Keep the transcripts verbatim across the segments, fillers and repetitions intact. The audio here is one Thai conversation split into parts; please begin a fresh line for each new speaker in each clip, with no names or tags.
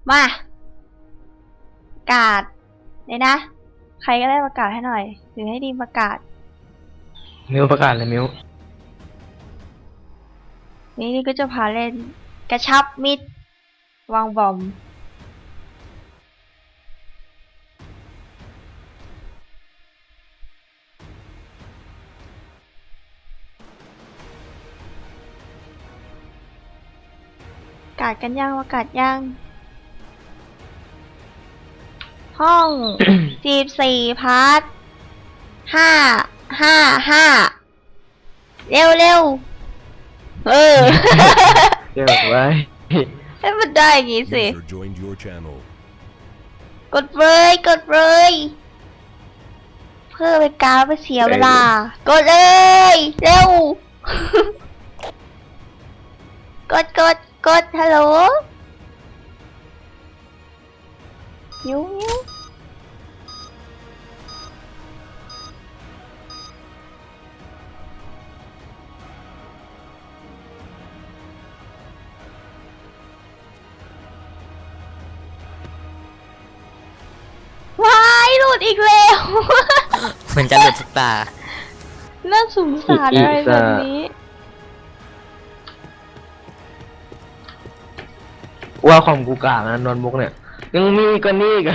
มาประกาศเลยนะใครก็ได้ประกาศให้หน่อยหรือให้ดีประกาศ
มิวประกาศเลยมิว
นี่นี่ก็จะพาเล่นกระชับมิดวางบอมประกาศกันยังประกาศยังห้อง สี่สี่พาร์ทห้าห้าห้าเร็วเร็วเออ
เดี๋ยวไว้
ให้มันได้อย่างงี้สิกดเลยกดเลยเพื่อไปกาไปเสียเวลากดเลยเร็ว กดกดกดฮัลโหลยิ้วยิ้วว้ายหลุดอีกแล้ว
เหมือนจะหลุดทุกตา
เริ่มสงสารอะไรแบบนี้
ว่าความกูกากนะนอนบุกเนี่ยยังมีกันนี่กัน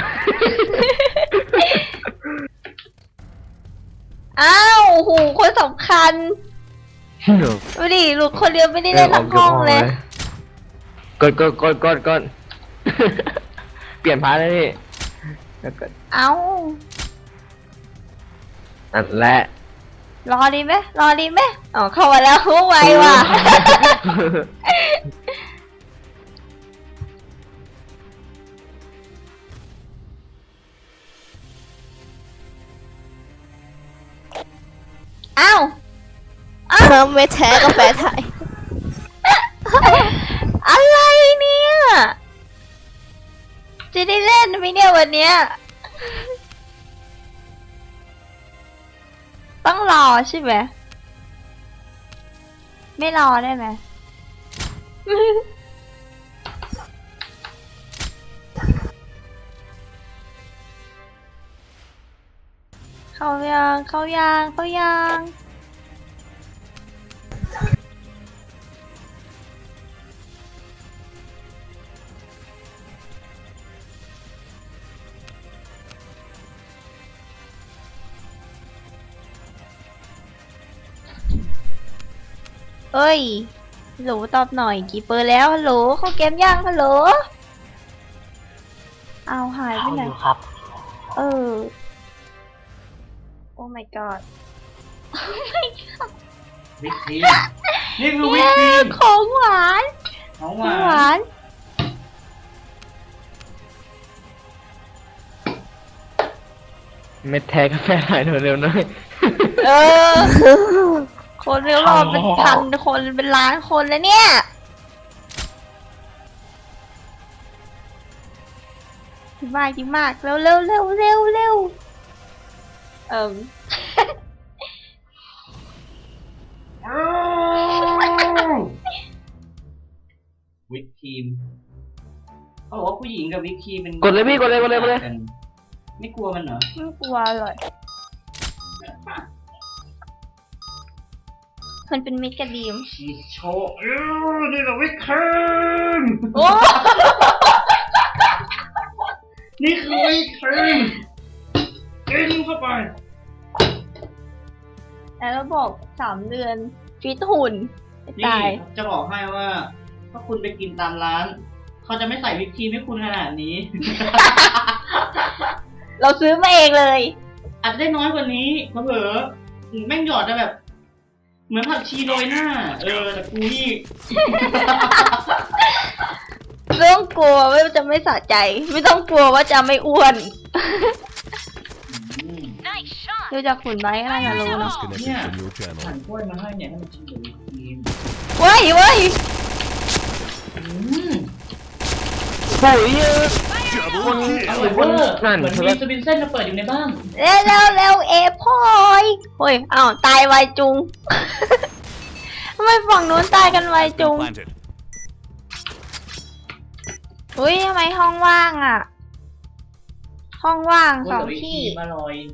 อ้าวโหคนสำคัญดูดิหลุดคนเดียวไม่ได้เล่นทั้งห้องเลย
กดกดกดกดกดเปลี่ยนพาร์ทเลยนี่
เอ้า
อันแหละ
รอดีไหมรอดีไหมอ๋อเข้ามาแล้วไวว่ะอ้าวอ้าวไม่แท้ก็แปลไทยอะไรเนี่ยจะได้เล่นไหมเนี่ยวันเนี้ยต้องรอใช่ไหมไม่รอได้ไหมเข้ายังเข้ายังเข้ายังเอ้ยฮัลโหลตอบหน่อยกี่เปอร์แล้วฮัลโหลเข้าเกมยังฮัลโหลเอาหายไปไหน
ครับ
เออโอ้ my god โอ้ my god
วิปครีมนี่คือวิปครีม
ของหวาน
ของห
หว
วาน
เม็ดแท้กาแฟหายเร็วๆหน่อย
เออคนเรียกรอเป็นพันคนเป็นล้านคนแล้วเนี่ยดีมากดีมากเร็วเร็วเร็วเร็วเร็วเอิ่ม
วิปครีมเขาบอกว่าผู้หญิงกับวิปครีมเป็น
กดเลยพี่กดเลยกดเลยกดเลย
ไม่กลัวมันเหรอ
ไม่กลัวเลยมันเป็นมิตรกับดีม
ชีโชเออนี่แหละวิปครีม
โอ้
นี่คือวิปครีมกินเข้าไป
แล้วบอกสามเดือนฟิตหุ่น
นี่จะบอกให้ว่าถ้าคุณไปกินตามร้านเขาจะไม่ใส่วิปครีมให้คุณขนาดนี้
เราซื้อมาเองเลย
อาจจะได้น้อยกว่านี้มาเผลอแม่งหยอดจะแบบเหมือนผักชีโรยหน้าเออแต่กูนี่
ไม่ต้องกลัวว่าจะไม่สะใจไม่ต้องกลัวว่าจะไม่อ้วนดูจากหุ่นไม้ก็น่าจะรู้เนาะ
เนี่ยหั่นกล้วยมาให้เนี่ยให้มันกินกับวิปครีม
ว้ายว้าย
โอ้ย
คนคนนั่นเหมือนมีสปินเส้นมาเปิดอยู่ในบ้าน
เร็วเร็วเร็วเอพอยโอ้ยอ้าวตายไวจุงทำไมฝั่งนู้นตายกันไวจุงอุ้ยทำไมห้องว่างอ่ะ ห้องว่าง
กล้
ส
วย
อง
กับวิปค
ที่
รีมอร่อย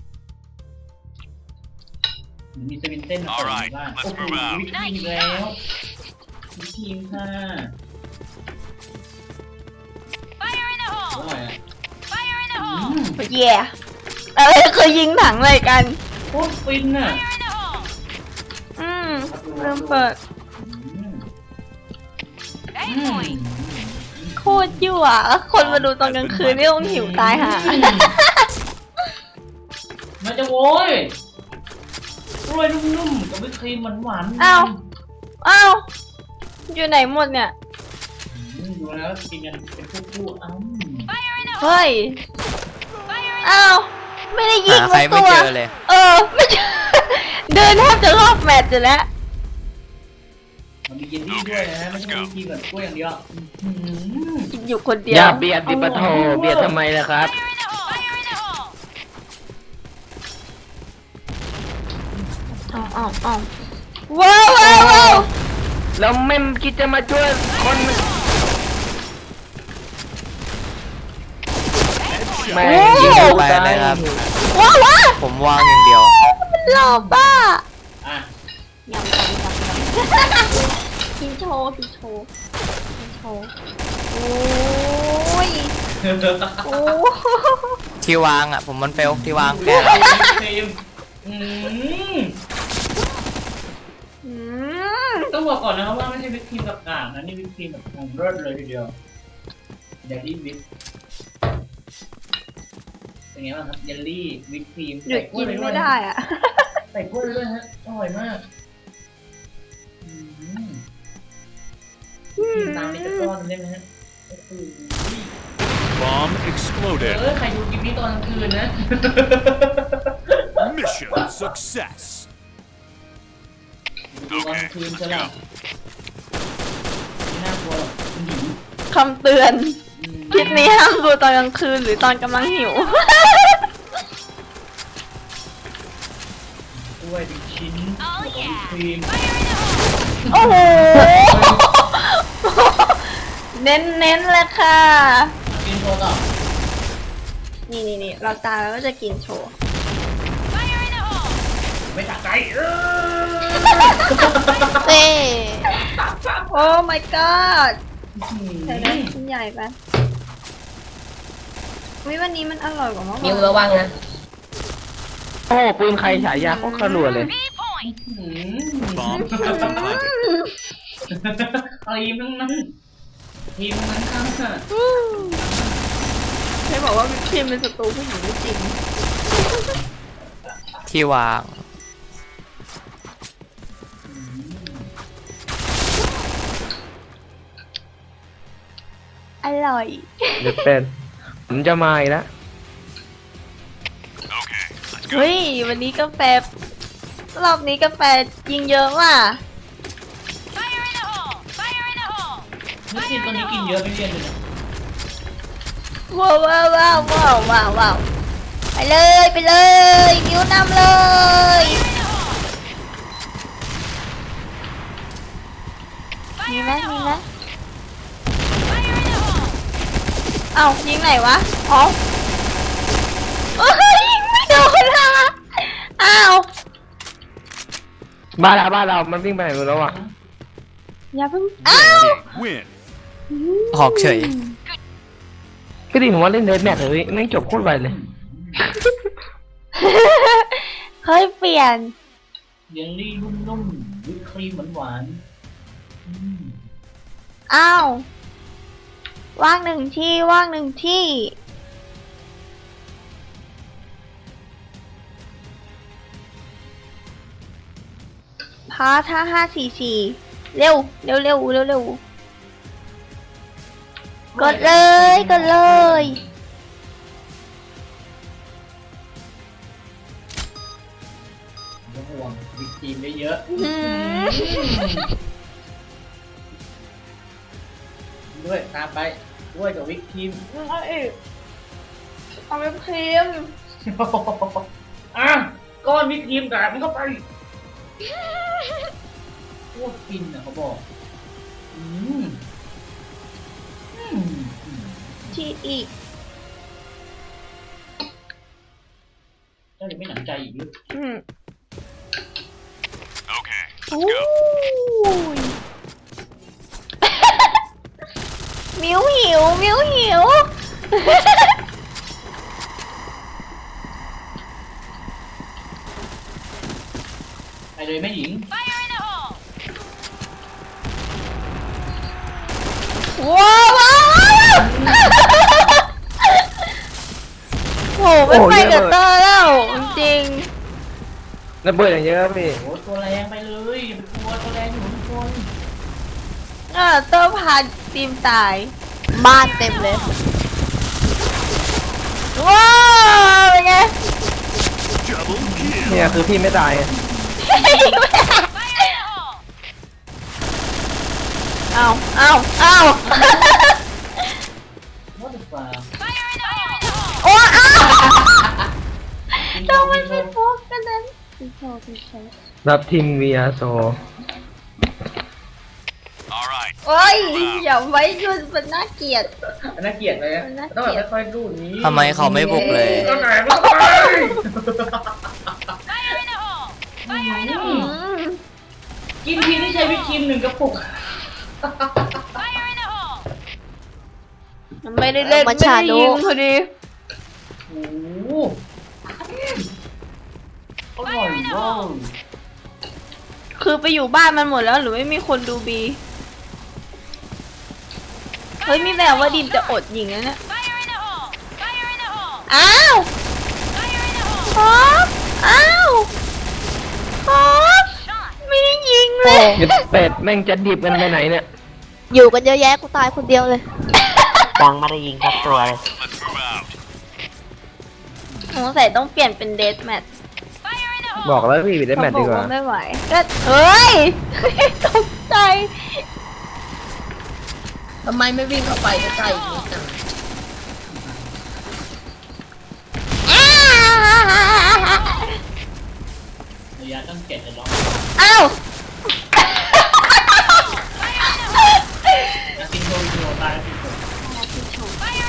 มีสวินเต้นมาเปิดในบ้านโอ้โหวิปครีมอีกแล้ววิปครีมค่ะอร่อยอ่ะอืม
เย่เอ้ยเคยยิงถังเลยกัน
โคตรฟินอ่ะ
อืมเริ่มเปิด
อืมอืม
โคตรยั่วแล้วคนมาดูตอนกลางคืนนี่ต้องหิวตายห่า
มันจะโว้ยกล้วยนุ่มๆกับวิปครีมหวานๆ
อ้าว อ้าว อยู่ไหนหมดเนี่ย
อืมดูแล้วกินกันเป็นคู่ๆอ้าว
เฮ้ย อ้าว ไม่ได้ยิง
หาใคร
สัก
ไม่
ตัว
เจอเลย
เออ ไม่เจอ เดินแทบจะรอบแมตช์อยู่แล้ว
มันมีเยลลี่ด้วยนะไม่ใช่วิปครีมแบบกล้วยอย่างเดียวอืม
กินอยู่คนเดี
อ
ยว
ย่าเบียดดิปะโทเบียดทำไมล่ะครับ
อ๋ออ๋ออ๋อว้าวว้าวว้าว
แล้วไม่คิดจะมาช่วยคนแม่ง
ยิงไปเลยครับ
ว้าวว้าว
ผมวางอย่างเดียว
มันหล่อป้า
อ่ะ
ยำยำยำยำกินโชว์กินโชว์กินโชว์โอ้ยโอ้
ที่วางอ่ะ ผมมันเฟลที่วางแก
วิปครีมอืม
อืม
ต้องบอกก่อนนะครับว่าไม่ใช่วิปครีมกับกากนะนี่วิปครีมแบบของเลิศเลยทีเดียวเยลลี่วิปเป็นไงบ้างครับเยลลี่วิปครีม
หยุดกินไม่ได้อ่ะ
ใส่กล้วยไปด้วยฮะอร่อยมากอืมกินตามนี้จะก้อนได้ไหมฮะโอ้โห
Bomb
เอ
exploded.
อใครดูคลิปนี้ตอนกลางคืนนะ
Mission success.
ดูตอนกลางคืนใช่ป่ะไม่น่ากลัวหรอกคุณหญิง
คำเตือน
อืม
คลิปนี้ห้ามดูตอนกลางคืนหรือตอนกำลังหิว
กล้วยเป็นชิ้นแล้วก็วิปครีม
โอ้โห เน้นเน้นๆเลยค่ะ
กินโชว์ต่อ
นี่นี่นี่เราตายแล้วก็จะกินโชว์
ไม่ตักใจเออ
เต้โอ้ my god ใส่ได้ชิ้นใหญ่ไปวิวันนี้มันอร่อยกว่าเมื่อวาน
นิ้วระวังนะ
โอ้ปืนใครฉายาโคตรขรัวเลย
อืม
Bomb has been planted.
ครีมทั้งนั้นครีมทั้งนั้นค่ะ
อืมใครบอกว่าวิปครีมเป็นศัตรูผู้หญิงไม่จริง
ที่วาง
อร่อย
เดี๋ยวเป็นผมจะมาอีกแล้ว
เฮ้ย วันนี้กาแฟ รอบนี้กาแฟยิงเยอะว่ะ
นี่ครีมตัวนี้กินเยอะไม่เรียนเลยนะ
ว้าวว้าวว้าวว้าวว้าวว้าวไปเลยไปเลยนิ้วนำเลยมีไหมมีไหมเอ้ายิงไหนวะอ๋อโอ้ยยิงไม่โดนละอ้าว
บ้านเราบ้านเรามันวิ่งไปไหนหมดแล้วอ่ะ
อย่าเพิ่งอ้าว
Win.
ออกเฉย
ก็ดีผมว่าเล่นเดทแมทเลยแม่งจบโคตรไวเลย
เฮ้ยเปลี่ยน
เยลลี่นุ่มๆวิปครีมหวานๆอืม
อ้าวว่างหนึ่งที่ว่างหนึ่งที่พาท่าห้าสี่สี่เร็วเร็วเร็วเร็วเร็วกดเลยกดเลย
ไม่ต้องห่วงวิปครีมได้เยอะ
อื้อหือ
ด้วยตามไปด้วยกับวิปครีม
เอาอีกเอาไปครีม
อ่ะก้อนวิปครีมกาดมันเข้าไปโคตรฟินอ่ะเขาบอก อืมอืม
ฉีดอีก
เจ้ายังไม่หนำใจอีกหรือ
อืม
Okay,
โอ้
let's go.
ย มิวหิว มิวหิว
ไปเลยแม่หญิง
ว้าวว้าวว้าวโหไม่ไปกับเตอร์แล้ว จริง
ระเบิดอย่างเยอะพี่
โอ้ตัวแรงไปเลยอย่าไปกลัวตัวแรงอยู่ทุกคน
เออเตอร์พาทีมตาย บ้านเต็มเลย ว้าวเป็นไง
Double kill.
เนี่ยคือพี่ไม่ตายไง
เอาเอาเอา
ว่าจะฟ้า
โอ้เอา
กินโช
ต้อง
ว์
มั
กิ
น
นโช
ไม่
ว์
โฟกกันนั้นติโชว์ติโชว์
รับทีม วี อาร์ โซ
All right.
โอ้ยอย่าไว้ยุ่นมันน่าเกลียด
อันน่าเกลียดเลยอะ
มันน่าเกลี
ต้อง
ยด
แบบค่อยๆดูดนี้
ทำไมเขาไม่บุกเลย
ก็ไหนไม่ไป
อืม
กินทีนี่ใช้วิปครีมหนึ่งกระปุก
มันไม่ได้เล่นไม่ได้ยิงพอดี
โอ้โหอร่อยมาก
คือไปอยู่บ้านมันหมดแล้วหรือไม่มีคนดูบี เฮ้ยมีแววว่าดิมจะอดยิงแล้วเนี่ย อ้าวครับอ้าวครับไม่ได้ยิงเลย
หยุดเป็ดแม่งจะดิบกันไปไหนเนี่ย
อยู่กันเยอะแยะกูตายคนเดียวเลย
ยังไม่ได้ยิงสักตัวเลย
Let's move out.
สงสัยต้องเปลี่ยนเป็นเดสแมท
บอกแล้วพี่ได้แมตช์ดีกว่า
ไม่ไหวก็เฮ้ย ตกใจ
ทำไมไม่วิ่งเข้าไปใกล้ๆอีกนิดนึง
อ้า
ระยะตั้งเจ็ดจะล็อก
อ้าว
นักกินโชว์กินโชว์ตายแล้วกินโชว์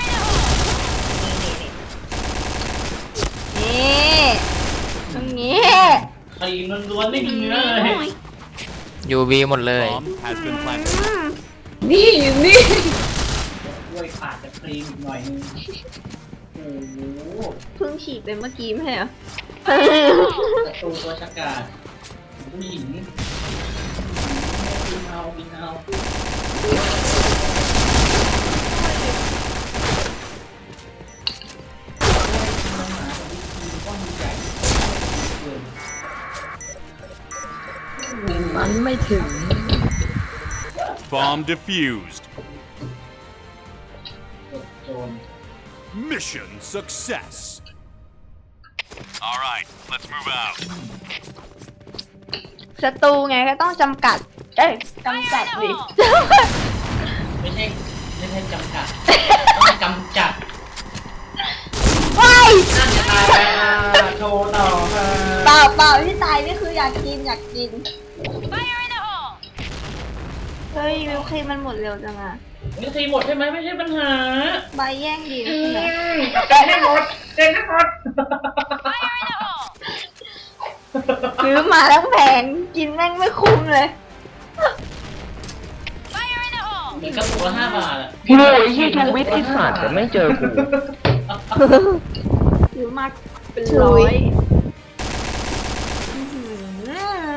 นี่ตรงนี้
ครีมล้วนๆไม่มีเนื้อเลย
ยูบีหมดเลย
Bomb has been planted.
นี่นี่
ด้วยขาดจากครีมอีกหน่อยนึงโอ้โห
เพิ่งฉีดไปเมื่อกี้ไม่ใช่เหรอ
ศัตรูตัวชะกาจผู้หญิงบินเอาบินเอา
มันไม่ถึง
Bomb defused.
โจร
Mission success. All right, let's move out.
ศัตรูไงก็ต้องจำกัด เอ้ยจำกัดดิ
ไม่ใช่ไม่ใช่จำกัดต้องกำจัด
ว้าย
น่าจะตายไปอ่ะโชว์ต่อค่ะ
เปล่าเปล่าที่ตายนี่คืออยากกินอยากกิน เฮ้ยวิวครีมมันหมดเร็วจังอะ
นี่ทีหมดใช่ไหมไม่ใช่ปัญหา
ใบแย่งดีนะ
อื
คุณอะ
มเต็มให้หมดเต็มให้หมด
ซื้อมาทั้งแผงกินแม่งไม่คุ้มเลย
เหมือนกระปุกละห้าบาทอะ
โอ้ยที่ชูวิทย์ไอ้สัตว์แต่ไม่เจอกู
ซื้อมาเป็นร้อยอื้อหือ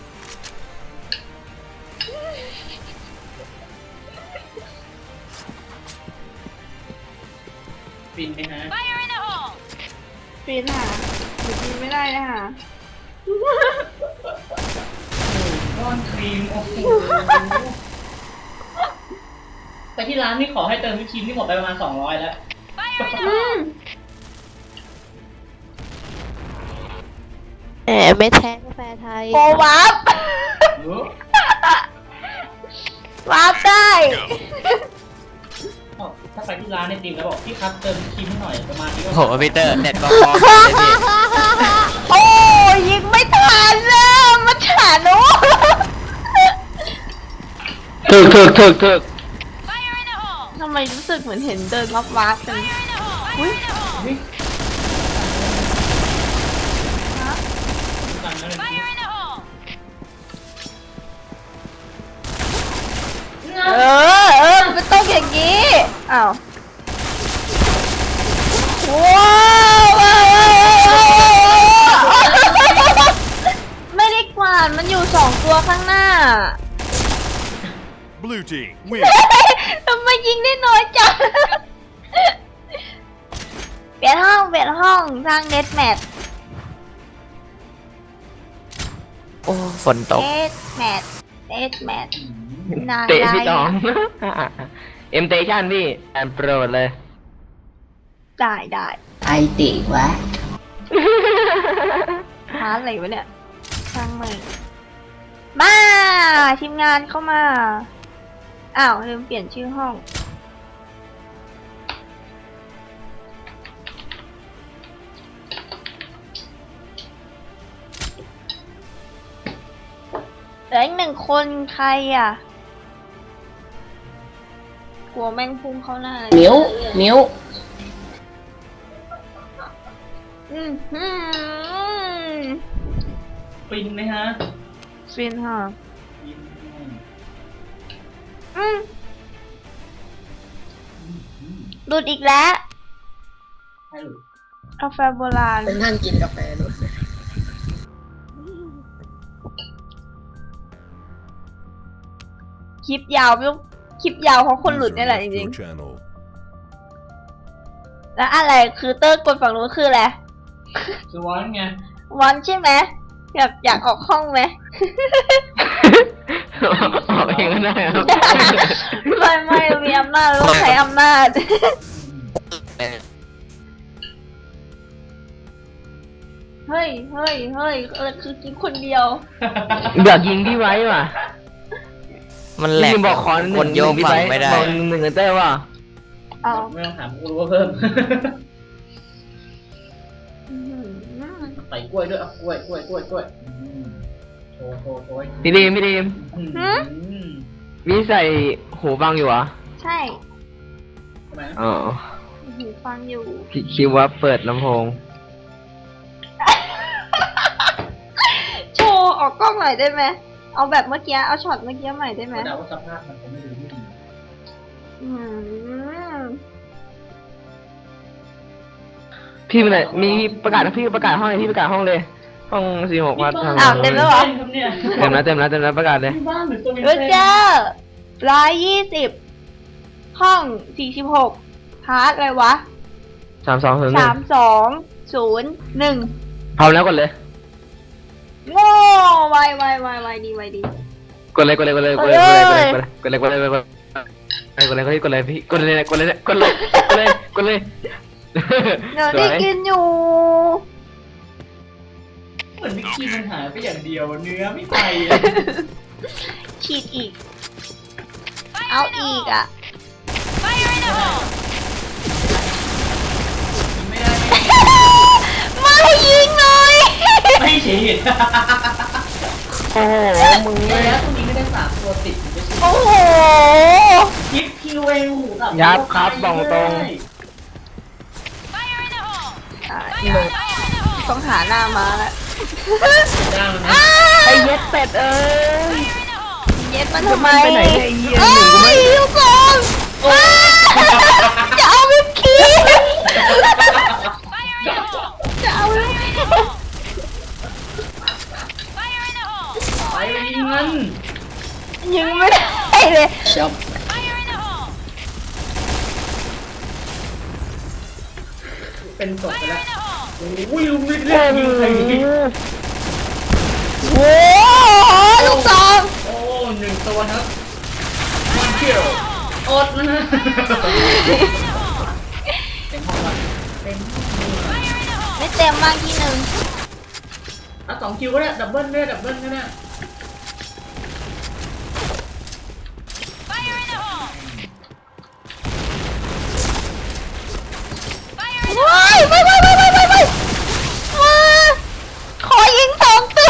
ฟินไหมฮะ
ปีนหาหรือกินไม่ได้นะค่ะ
ก้อนครีมโอ้โหไปที่ร้านนี่ขอให้เติมวิปครีมที่หมดไปประมาณสองร้อยแล้ว
อืม
แหมไม่แท้กาแฟไทย
โปรวับ
เยอะ
วับได้
อ้าวถ้าไปที่ร้านในติมแล้วบอกพี่ครับเติมวิปครีมให้หน่อยประมาณนี้ก็
โหพีเตอร์เน็ตก็พอเลยพี่
โอ้ยยิงไม่ทันเลยมาฉานุ
ถึกถึกถึกถึก
ทำไมไมรู้สึกเหมือนเห็นเดินวับวับกันอุ้ย
นี่กันแล้วเลย
เออเออมันต้องอย่างนี้อ้าวว้าวว้าวไม่ได้กวาดมันอยู่สองตัวข้างหน้า
Blue team, win.
ทำไมยิงได้น้อยจังเปลี่ยนห้องเปลี่ยนห้องสร้างเดสแมท
โอ้ฝนตก
เดสแมทเดสแมทนาย
เตะพี่ตอง เอ็มเตชั่นพี่แอนโปรดเลย
ได้ได้
ไอติวะ
หาอะไรวะเนี่ยช่างมันมาทีมงานเข้ามาอ้าวลืมเปลี่ยนชื่อห้องเหลืออีกหนึ่งคนใครอ่ะ กลัวแม่งพุ่งเข้าหน้าเลย
มิ้วมิ้ว
อืมอืม
ฟินไหมฮะ
ฟินฮะ
ฟิน
อืมหลุดอีกแล้ว
ให้หลุด
กาแฟโบราณ
เป็นนั่งกินกาแฟด้วย
คลิปยาวไม่ต้องคลิปยาวเพราะคนหลุดนี่แหละจริง
Your channel.
ๆ แล้วอะไรคือเตอร์กดฝั่งนู้นคืออะไร
คือวอนไง
วันใช่ไหมอยากอยากออกห้องไหม
ออกเองก็ได้ครับ
ไม่ไม่เรามีอำนาจเราต้องใช้อำนาจ เฮ้ยเฮ้ยเฮ้ยเออคือกินคนเดียว
อยากยิงพี่ไว้ว่ะ
มันแหลก
พี่บอกขอหนึ่ง
กดโยก
พี่
ฝั่ง
ไว้
ไม่ได้
บอกหนึ่งหนึ่งเต้ว่า
เอา
ไม่ต้องถามกูรู้ว่าเพิ่ม
อื้อหือ
ใส่กล้วยด้วยอ่ะกล้วยกล้วยกล้วยกล้วยอืมโชว์โชว์โชว์
พี่ดีมพี่ดีม
อืม
หือ
พี่ใส่หูฟังอยู่เหรอ
ใช่
ทำไมนะ
อ๋อ
หูฟังอยู่
พี่คิดว่าเปิดลำโพง
โชว์ออกกล้องหน่อยได้ไหม เอาแบบเมื่อกี้ เอาช็อตเมื่อกี้ใหม่ได้ไหม
ก็เดาว่าสภาพมันคงไม่ดีไม่ดี
อืม
พี่มันไหนมีประกาศนะพี่ประกาศห้องเลยพี่ประกาศห้องเลย ห้องสี่หกวัดทาง
อ้าวเต็มแล้วเหรอ
ครับเนี่ย
เต็มแล้วเต็มแล้วเต็มแล้วประกาศเลย
ที่บ้านหรือตัววิน
เออ
เซน
เจอร้อยยี่สิบห้องสี่สิบหกพาร์ทอะไรวะ
สามสองศูนย์หนึ่
สาง มสองศูนย์หนึ่ง
พร้อมแล้วกดเลย
โง่ไวไวไวไวดีไวดี
กดเลยกดเลยกดเลยกดเลยกดเลยกดเลยกดเลยกดเลยกดเลยกดเลยกดเลยกดเลยกดเลยพี่กดเลยกดเลยกดเลยกดเลยกดเลย
เดี๋ยวได้กินอยู่
เหมือนวิกกี้มันหายไปอย่างเดียวเนื้อไม่ไปอะ
ฉีดอีก เอาอีกอ่ะ
ไม่ได้ไม่ได้
ไม่ยิงเลย
ไม่ฉีด
โอ้โหมึง
ระยะตรงนี้ไม่ได้สามตัวติดไม่ใช่
โอ้โห
คลิปคิวเองหูกับ
ยับครับบอกตรง
อ่ะต้องหาหน้ามาแล้ว
จ้างมันนะ
ไอ้เย็ดเป็ดเอ้ย
เย็ดมันทำไม
ไปไหนเนี่ยไอ้เหี้ย
เอ้
หนึ่งกูไม่
ยลูกบอลอ้าจะเอาวิปครีมจะเอาวิปครีม
ไปไปยิงมัน
ยิงไม่ได้เลย
ชอบ
เป็นศพไปแล้วโอ้ยลุงไม่เล่นยิงใครยิง
โอ้โหลูกซอง
โอ้หนึ่งตัวครับมันเกี่ยวอดนะฮะเป็นห้องละเป็นห้อง
ไม่เต็มมากที่หนึ่ง
อ่ะสองคิวก็ได้ดับเบิ้ลได้ดับเบิ้ลก็ได้
ว้ายไม่ไม่ไม่ไม่ไม่ไม่มาขอยิงสองตัว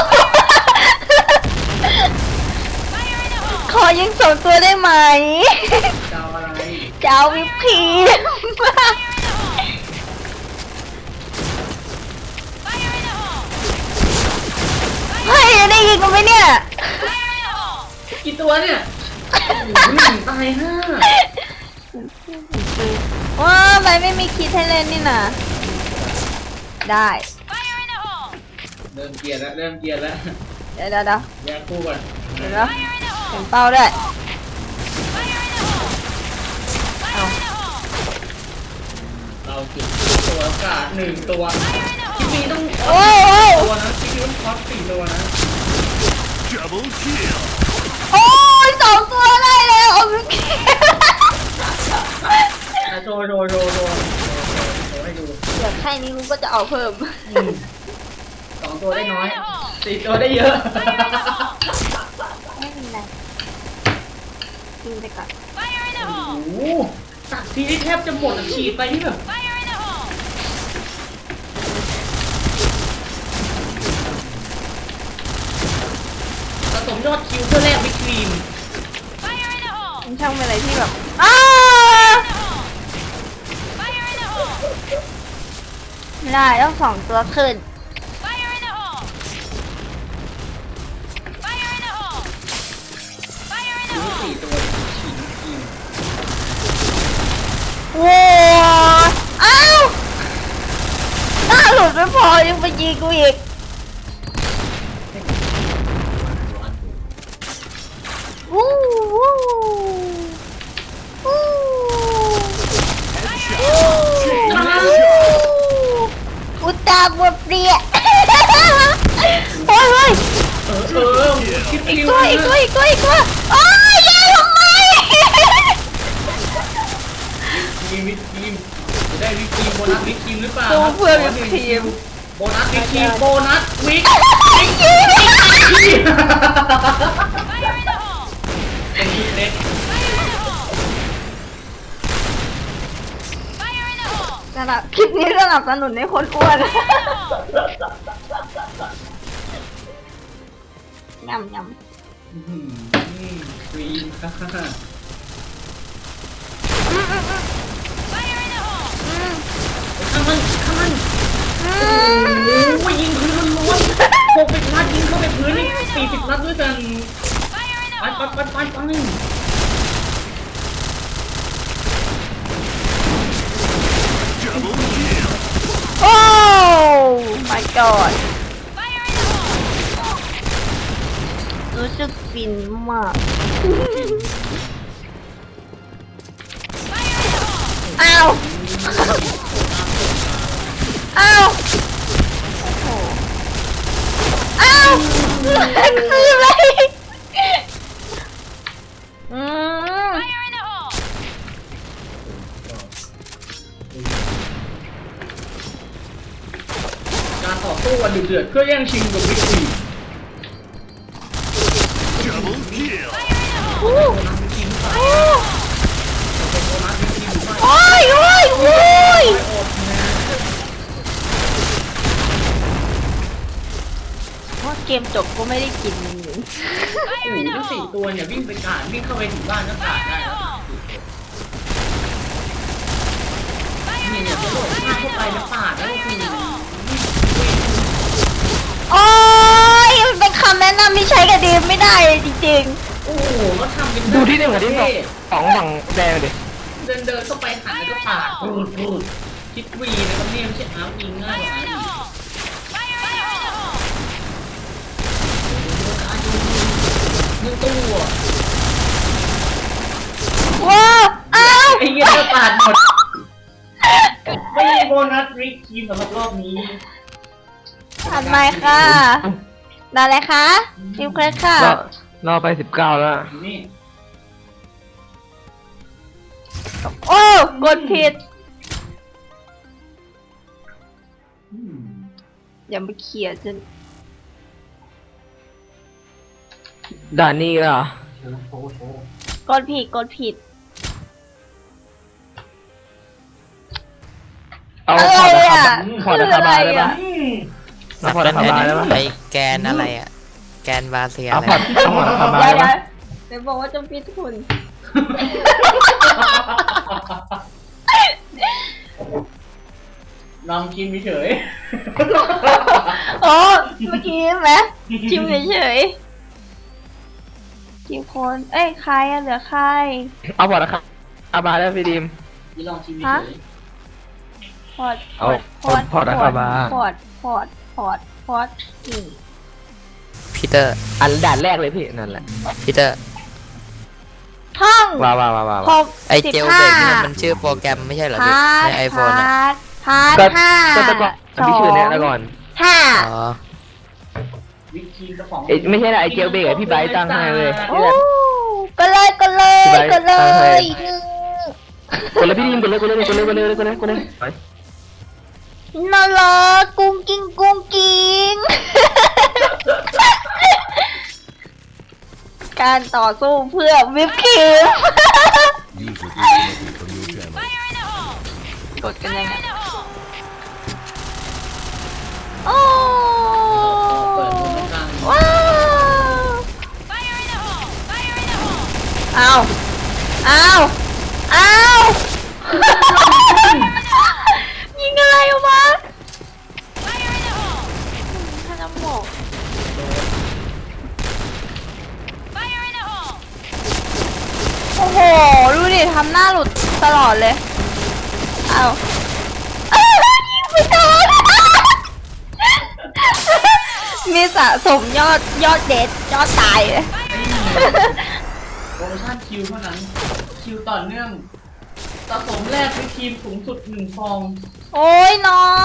ขอยิงสองตัวได้ไหม
จะเอาอะไร
จะจะเอาวิปครีมเฮ้ยได้ยินกูไหมเนี่ย
กี่ตัวเนี่ยโอ้โหตายห้า
ว้าไปไม่มีคิดให้เล่นนี่นะได้
เริ่มเกียร์แล้วเริ่มเกียร์แล้ว
เดี๋ยวเดี๋ยวเดี๋ยว
แยกคู่ก่อน
เดี๋ยวนะเห็นเป้าด้วยเอา
เราจุดตัวอากาศหนึ่งตัวคลิปนี้ต้อง
โอ้ยโอ้ย
ตัวนะคลิปนี้ต้องคอสสี่ตัวนะ
Double kill.
โอ้ยสองตัวได้แล้วเอาวิปครีม
อ่ะโชว์โชว์โชว์โชว์โชว์ให้ดู
เดี๋ยวแค่นี้ลุงก็จะเอาเพิ่ม
อืมสองตัวได้น้อยสี่ตัวได้เยอะ
ไม่เป็นไรกินไปก่อน
โอ้โหตัดทีนี่แทบจะหมดอะฉีดไปนี่แบบผสมยอดคิวเพื่อแลกวิปครีม
มันช่างเป็นอะไรที่แบบอ้าไม่ได้ต้องสองตัวขึ้น
มีสี่ตัวฉีดวิปครีม
ว้าวอ้าวหน้าหลุดไม่พอยังไปยิงกูอีกวู้วู้วู้ อุตตาบวเปรี้ยโอ้ยเฮ้ย
เออเออคิด
อีก
คิว
ตัวอีกตัวอีกตัวอีกตัวโอ้ยแย่ทำไม
มีวิปครีมจะได้วิปครีมโบนัสวิปครีมหรือเปล่า
ตัวเพื่อวิปครีม
โบนัสวิปครีมโบนัสวิป
ยิง
เป็นชุดเล็ก
สำหรับคลิปนี้สนับสนุนให้คนอ้วนยำยำ
อื้อหือครีมค่ะข้างมันข้างมันโอ้ยยิงพื้นล้วนๆหกสิบนัดยิงเข้าไปพื้นนี่สี่สิบนัดด้วยกันไปไปไปไปไป
Double kill.
โอ้ my god รู้สึกฟินมากอ้าวอ้าวโอ้โหอ้าวคืออะไรอืม
การต่อสู้กันดุเดือดเพื่อแย่งชิงกับวิกฤต
Double kill.
โอ้
โบนัสวิกฤตหรือเปล่าเป็นโบนัสวิกฤตหรือไม่
โอ้ยโอ้ยโอ้ย
อดนะ
ว่าเกมจบก็ไม่ได้กินเลย
โอ้โหทั้งสี่ตัวเนี่ยวิ่งไปกาดวิ่งเข้าไปถึงบ้านก็กาดได้แล้วนี่เนี่ยกระโดดข้ามเข้าไปแล้วปาดแล้วก็คือ
โอ้ยมันเป็นคำแนะนำที่ใช้กับดีมไม่ได้เลยจริง
โอ้โหก็ทำเป็น
ดูที่หนึ่งกับที่สองสองฝั่งแดงดิ
เดินเดินเข้าไปหันแล้วก็ปาดพูดพูดคิดวีนะครับเนี่ยไม่ใช่อาร์ยิงง่ายกว่าอาร์ยิงยิงตัว
ๆว้าวอ้าว
ไอ้เงี้ยก็ปาดหมดไม่มีโบนัสริกทีมสำหรับรอบนี้
ผ่านไหมค่ะได้เลยคะทีมเครดค่ะ
รอรอไปสิบเก้าแล้ว
นี่
โอ้กดผิด
อืม
อย่ามาเขียนจน
ด่านนี้เหรอ
กดผิดกดผิด
เอา
อะไร
พอร์ต
อ่ะ
อะคาบา
คืออะไร
ได้ปะ
อ่ะ
อืม
เอาพอร์ตอะคาบาได้ปะ
ไอแกนอะไรอ่ะ แกนวาเซีย
เอา
อะไร
พอร์ตเอาพอร์ตอะคาบา
เดี๋ยว
ได้
เดี๋ยว
ปะ
เดี๋ยวบอกว่าจะพิดคุณ
ลองกินเฉย
โอ้เมื่อกี้ไหมชิมเฉยๆกี่คน เอ้ยใครอะเหลือใคร
เอาพอแล้วครับเอามาแล้วพี่ดิม
นี่ลองชิมเฉ
ฮะ
ย
พอด
เอา
พอด
พอดนะครับมา
พอดพอดพอดพอดนี่
พีเตอร์
อันด่านแรกเลยพี่นั่นแหละ
พีเตอร์
ท่อง
ว้าวว้าวว้าวว้าว
หก
ไอ
สิบ
เจล
ห้า
เบรกนี่มันชื่อโปรแกรมไม่ใช่เหรอพี่
พาร์ท
ในไอโฟนอ่ะ
พาร์ท
ก็
ห้า
ก็ตะก่อน
สอ
พี่ชื่อเนี้ย
ง
ตะก่อน
ห้า
อ๋อ
วิปครีมกระป๋อง
เอ้ยไม่ใช่นะไอเจลเบรกอะพี่ไบร์ทตั้งให้เลย
โอ้ก็เลยก็เลย
พี่ไบร์ท
ก็เล
ตั้งให้
ยหนึ่ง
กดเลยพี่ดิมกดเลยกดเลยกดเลยกดเลยกดเลยกดเลยไป
น่ารักกุ้งกิ้งกุ้งกิ้ง การต่อสู้เพื่อวิปครีม
User disconnected from your channel.
กดกันยังไงโอ้
เปิดมือกลาง
ว้าวอ้าวอ้าวอ้าวยิงอะไรออกมาท่านน้ำหมกโอ้โห ดูดิทำหน้าหลุดตลอดเลย เอาอ้าวยิงไม่โดน มีสะสมยอดยอดเด็ดยอดตายเลย
โปรโมชั่นคิวเท่านั้น คิวต่อเนื่องสะสมแรกวิปครีมสูงสุดหนึ่งฟอง
โอ้ยน้อย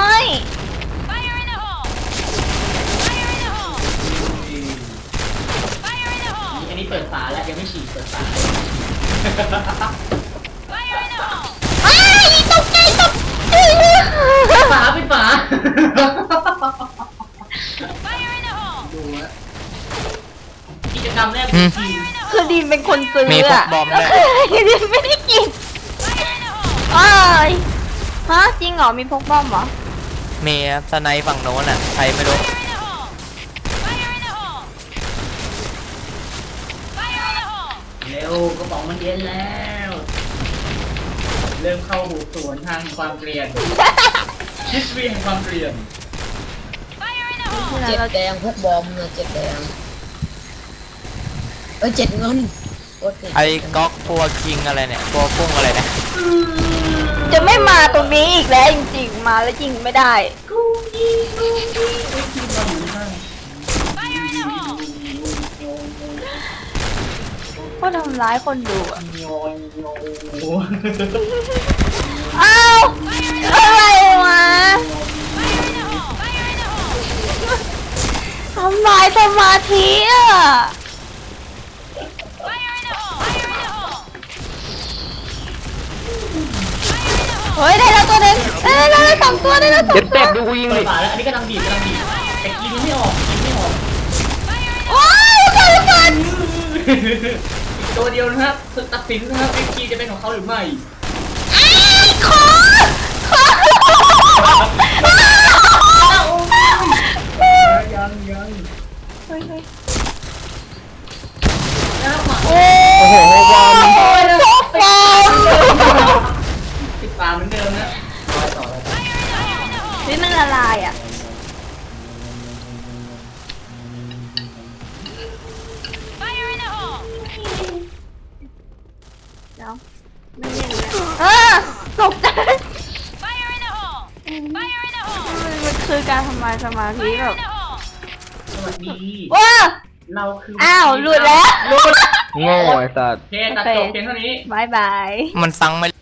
อันนี้เปิดฝาแล้วยังไม่ฉีดเปิดฝา
อ้ายตกใจตกใจ
ฝาเป็นฝาดูฮะกิจกรรมแรกวิปครีม
คือดีมเป็นคนซื้อ
มีพวก
อะ
บอมด้วย
ดีมไม่ได้กินอ้ายฮะจริงเหรอมีพกบอมเหรอ
มีครับสไนป์ฝั่งโน้นอ่ะ ใครไม่รู้
เร็วกระป๋องมันเย็นแล้ว เริ่มเข้าหูสวนทางความเกลียนคิสรีแห่งความเกลียน
เจ็ดแดงพวกบอมนะเจ็ดแดงเอ้ยเจ็ดเงินโอเค
ไอ้ก๊อกพัวคิงอะไรเนี่ยพัวกุ้งอะไรเนี่ย
จะไม่มาตรงนี้อีกแล้วจริงๆมาแล้วยิงไม่ได้
กูยิงกูยิงไอ้ทีมเราอยู่ข้าง
ก็ทำร้ายคนดูอะ
โยนโยน
อ้าวอะไรวะทำลายสมาธิอ่ะเฮ้ยได้แล้วตัวหนึงได้แล้วได้แล้วสองตัวได้แล้วสอง
เจ็บ
ตั
เต็
ว
บดูกูยิง
เปิ
ดิ
ดฝาแล้วอันนี้กำลังบีบกำลังบีบแต่กินยังไม่ออกกินไม่ออก
ว้าวเกิดอะไร
อีกตัวเดียวนะครับตัดสินนะครับวิปครีมจะเป็นของเขาหรือไม่
ไอ้ขอขอ
ยังยัง
เฮ้ยเฮ้ย
แล้วหมา
โอ้
โอ้โหวอร์ม
พกบอม
ติดฝาเหมือนเดิมนะต่อต่อเลย
นี่มันละลายอ่ะเดี๋ยวไม่เล่นแล้วเออตกใจมันมันคือการทำลายสมาธิแบบ
สวัสดี
ว้า
เราคือ
อ้าวหลุดแล้วหลุด
โง่ไอ้สัตว์
โอเคตัดจบเพียงเท่านี้
บายบาย
มันฟังไม่